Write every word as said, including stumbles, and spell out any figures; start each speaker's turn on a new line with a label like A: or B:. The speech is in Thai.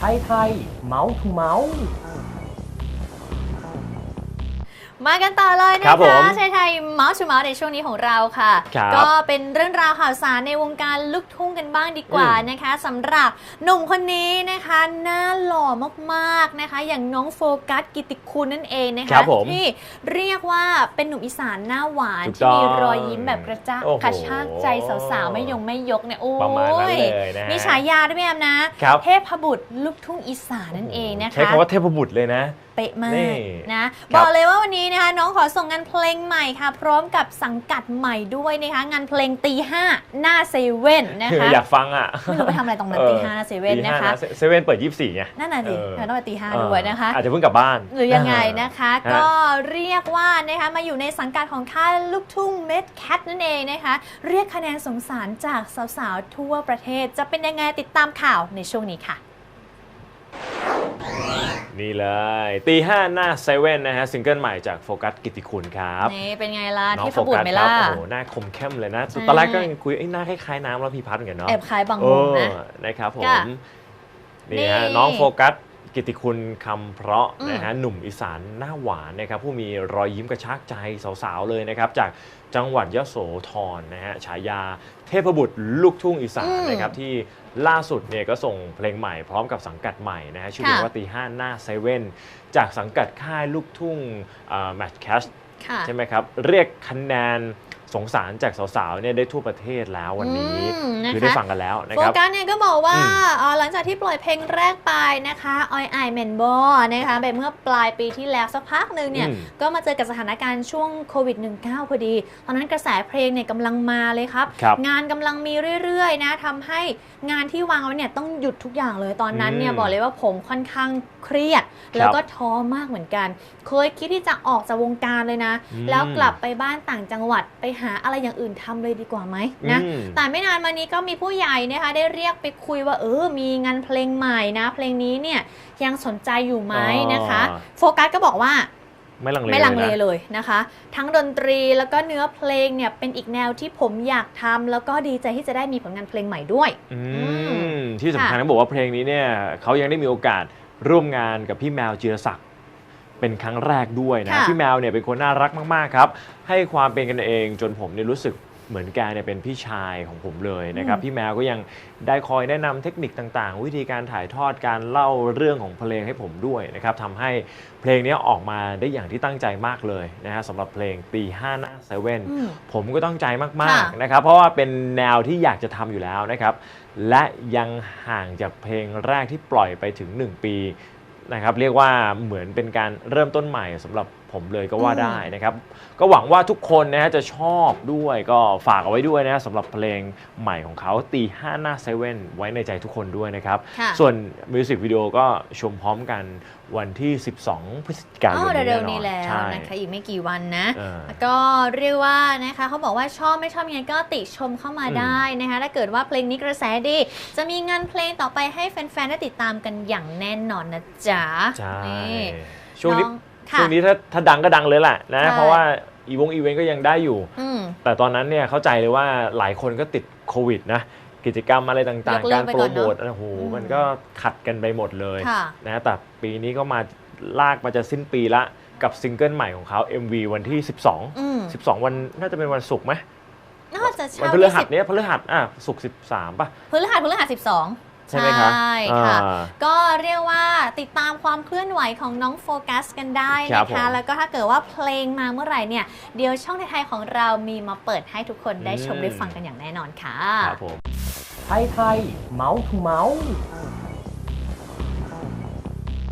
A: ไทยไทยเมาส์ทูเมาส์
B: มากันต่อเลยนะคะชายไทยเมาส์ชูเมาส์ในช่วงนี้ของเราค่ะก็เป็นเรื่องราวข่าวสารในวงการลูกทุ่งกันบ้างดีกว่านะคะสำหรับหนุ่มคนนี้นะคะหน้าหล่อมากๆนะคะอย่างน้องโฟกัสกิติคุณนั่นเองนะคะที่เรียกว่าเป็นหนุ่มอีสานหน้าหวานที่มีรอยยิ้มแบบกระจ้ากระชากใจสาวๆไม่ยงไม่ยกเนี่ยโอ้ยมีฉายาด้วยไหมแอมนะเทพบุตรลูกทุ่งอีสานนั่นเองนะคะ
C: ใช้คำว่าเทพบุตรเลยนะ
B: เป๊ะมากนะบอกเลยว่าวันนี้นะคะน้องขอส่งงานเพลงใหม่ค่ะพร้อมกับสังกัดใหม่ด้วยนะคะงานเพลงตีห้าหน้าเซเว่นนะคะ
C: อยากฟังอ่ะ
B: ไม่รู้ไปทำอะไรตรงนั้นตีห้าหน้าเซเว่นนะคะ
C: เซเว่นเปิดยี่สิบสี่ไง
B: นั่นน่ะสิเราต้องไปตีห้าด้วยนะคะ
C: อาจจะเพิ่งกลับบ้าน
B: หรือยังไงนะคะก็เรียกว่านะคะมาอยู่ในสังกัดของค่ายลูกทุ่งเม็ดแคทนั่นเองนะคะเรียกคะแนนสงสารจากสาวๆทั่วประเทศจะเป็นยังไงติดตามข่าวในช่วงนี้ค่ะ
C: นี่เลยตีห้าหน้าเซเว่นนะฮะซิงเกิลใหม่จากโฟกัสกิติคุณครับ
B: นี่เป็นไงล่ะที่พบุตรไหมล่ะ
C: โอ้โหหน้าคมเข้มเลยนะตอนแรกก็ยังคุยไอ้หน้าคล้ายๆน้ำแล้วพี่พัดเหมือนกันเนาะ
B: แอบคล้ายบางมุมนะ
C: นะครับผมนี่ฮะน้องโฟกัสกิติคุณคำเพราะนะฮะหนุ่มอีสานหน้าหวานนะครับผู้มีรอยยิ้มกระชากใจสาวๆเลยนะครับจากจังหวัดยโสธรนะฮะฉายาเทพบุตรลูกทุ่งอีสานนะครับที่ล่าสุดเนี่ยก็ส่งเพลงใหม่พร้อมกับสังกัดใหม่นะฮะชื่อเพลงว่าตีห้าหน้าเซเว่นจากสังกัดค่ายลูกทุ่งแมทแคชใช่ไหมครับเรียกคะแนนสงสารจากสาวๆเนี่ยได้ทั่วประเทศแล้ววันนี้คือได้ฟังกันแล้วนะครับ
B: โฟกัสเนี่ยก็บอกว่าหลังจากที่ปล่อยเพลงแรกไปนะคะออยไอเมนบอนะคะไปเมื่อปลายปีที่แล้วสักพักหนึ่งเนี่ยก็มาเจอกับสถานการณ์ช่วงโควิด สิบเก้า พอดีตอนนั้นกระแสเพลงเนี่ยกำลังมาเลยครับงานกำลังมีเรื่อยๆนะทำให้งานที่วางไว้เนี่ยต้องหยุดทุกอย่างเลยตอนนั้นเนี่ยบอกเลยว่าผมค่อนข้างเครียดแล้วก็ท้อมากเหมือนกันเคยคิดที่จะออกจากวงการเลยนะแล้วกลับไปบ้านต่างจังหวัดไปหาอะไรอย่างอื่นทำเลยดีกว่าไหมนะแต่ไม่นานมานี้ก็มีผู้ใหญ่นะคะได้เรียกไปคุยว่าเออมีงานเพลงใหม่นะเพลงนี้เนี่ยยังสนใจอยู่ไหมนะคะโฟกัสก็บอกว่า
C: ไม่ลังเล
B: ไม่ลังเลเลยนะคะทั้งดนตรีแล้วก็เนื้อเพลงเนี่ยเป็นอีกแนวที่ผมอยากทำแล้วก็ดีใจที่จะได้มีผลงานเพลงใหม่ด้วย
C: ที่สำคัญต้องบอกว่าเพลงนี้เนี่ยเขายังได้มีโอกาสร่วมงานกับพี่แมวจิรศักดิ์เป็นครั้งแรกด้วยนะพี่แมวเนี่ยเป็นคนน่ารักมากๆครับให้ความเป็นกันเองจนผมเนี่ยรู้สึกเหมือนแกเนี่ยเป็นพี่ชายของผมเลยนะครับพี่แมวก็ยังได้คอยแนะนำเทคนิคต่างๆวิธีการถ่ายทอดการเล่าเรื่องของเพลงให้ผมด้วยนะครับทำให้เพลงนี้ออกมาได้อย่างที่ตั้งใจมากเลยนะฮะสำหรับเพลงตีห้าหน้าเซเว่นผมก็ตั้งใจมากๆนะครับเพราะว่าเป็นแนวที่อยากจะทำอยู่แล้วนะครับและยังห่างจากเพลงแรกที่ปล่อยไปถึงหนึ่งปีนะครับเรียกว่าเหมือนเป็นการเริ่มต้นใหม่สำหรับผมเลยก็ว่าได้นะครับก็หวังว่าทุกคนนะฮะจะชอบด้วยก็ฝากเอาไว้ด้วยนะสำหรับเพลงใหม่ของเขาตีห้าหน้าเซเว่นไว้ในใจทุกคนด้วยนะครับส่วนมิวสิกวิดีโอก็ชมพร้อมกันวันที่สิบสองพฤศจิกายน
B: นี้เร็วๆนี้แล้วนะคะอีกไม่กี่วันนะก็เรียกว่านะคะเขาบอกว่าชอบไม่ชอบยังไงก็ติชมเข้ามาได้นะคะถ้าเกิดว่าเพลงนี้กระแสดีจะมีงานเพลงต่อไปให้แฟนๆได้ติดตามกันอย่างแน่นอนนะจ๊ะ
C: ใช่ช่วงนี้ช่วงนี้ถ้าถ้าดังก็ดังเลยแหละนะเพราะว่าอีวงอีเวนต์ก็ยังได้อยู่แต่ตอนนั้นเนี่ยเข้าใจเลยว่าหลายคนก็ติดโควิดนะกิจกรรมอะไรต่างๆการโปรโมทโอ้โหมันก็ขัดกันไปหมดเลยนะแต่ปีนี้ก็มาลากมาจะสิ้นปีละกับซิงเกิลใหม่ของเขา เอ็ม วี วันที่สิบสอง สิบสองวันน่าจะเป็นวันศุกร์ไหม
B: น่าจะ
C: วันพฤหัสเนี้ยพฤหัสอ่ะศุกร์สิบสามป่ะ
B: พฤหัสพฤหัสสิบสองใช่ค่ะก็เรียกว่าติดตามความเคลื่อนไหวของน้องโฟกัสกันได้นะคะแล้วก็ถ้าเกิดว่าเพลงมาเมื่อไหร่เนี่ยเดี๋ยวช่องไทยๆของเรามีมาเปิดให้ทุกคนได้ชมได้ฟังกันอย่างแน่นอนค่ะ
A: ครับผมไทยไทยเมาส์ทูเมาส์